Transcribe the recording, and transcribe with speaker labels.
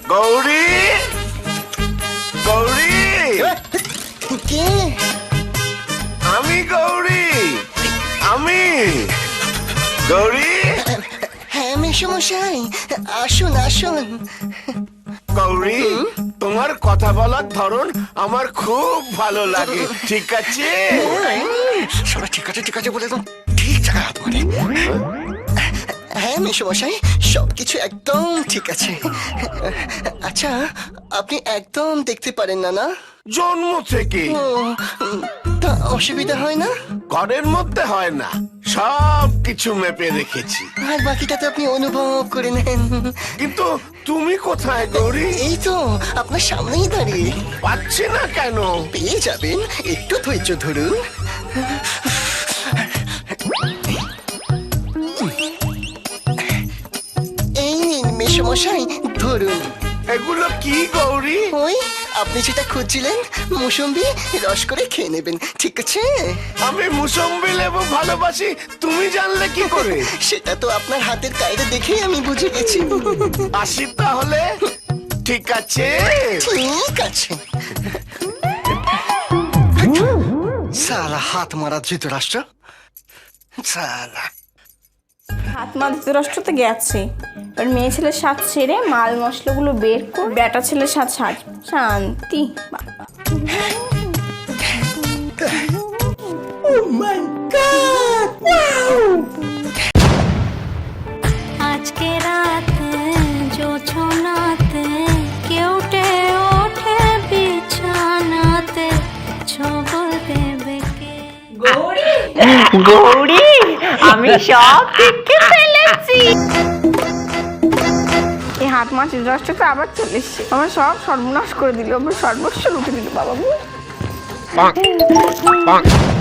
Speaker 1: গৌরী, গৌরী,
Speaker 2: কে?
Speaker 1: আমি গৌরী, আমি গৌরী।
Speaker 2: হ্যাঁ মেসমশাই, আসুন আসুন।
Speaker 1: গৌরী, তোমার কথা বলার ধরন আমার খুব ভালো লাগে। ঠিক আছে?
Speaker 2: সবাই ঠিক আছে ঠিক আছে বলে দাও, ঠিক জায়গায় হাত মারে। হ্যাঁ মেসমশাই, সবকিছু একদম ঠিক আছে। আচ্ছা, আপনি একদম দেখতে পারেন না, না?
Speaker 1: জন্ম থেকে
Speaker 2: ও, তা অসুবিধা হয় না?
Speaker 1: ঘরের মধ্যে হয় না, সব কিছু মেপে রেখেছি।
Speaker 2: আর বাকিটাতে আপনি অনুভব করে নেন।
Speaker 1: কিন্তু তুমি কোথায় গৌরী?
Speaker 2: এই তো আপনার সামনেই দাঁড়িয়ে।
Speaker 1: পাচ্ছি না কেন?
Speaker 2: পেয়ে যাবেন, একটু ধৈর্য ধরুন। এই নিন মেসমশাই, ধরুন।
Speaker 1: এগুলো কি গৌরী?
Speaker 2: ওই আপনি যেটা খুঁজছিলেন, মুসম্বি, রস করে খেয়ে নেবেন, ঠিক আছে?
Speaker 1: আমি মুসম্বি লেবু ভালোবাসি, তুমি জানলে কি করে?
Speaker 2: সেটা তো আপনার হাতের কায়দা দেখেই আমি বুঝে গেছি।
Speaker 1: আসি তাহলে। ঠিক আছে।
Speaker 2: ঠিক আছে। সালা হাত মারা ধৃতরাষ্ট্র, সালা।
Speaker 3: হাত মা ধৃতরাষ্ট্র তো গেছে, এবার মেয়ে ছেলের স্বাদ সেরে মাল মশলাগুলো বের করে বেটা ছেলের স্বাদ সাজ শান্তি। বাবা
Speaker 4: আজকে রাতে জোছনাতে কেউটে ওঠে বিছানাতে ছবল দেবে কে।
Speaker 3: গৌরী, আমি সব দেখে ফেলেছি। এই হাত মা ধৃতরাষ্ট্র তো আবার চলে এসছে, আমার সব সর্বনাশ করে দিল, আমার সর্বস্ব লুটে দিল বাবা।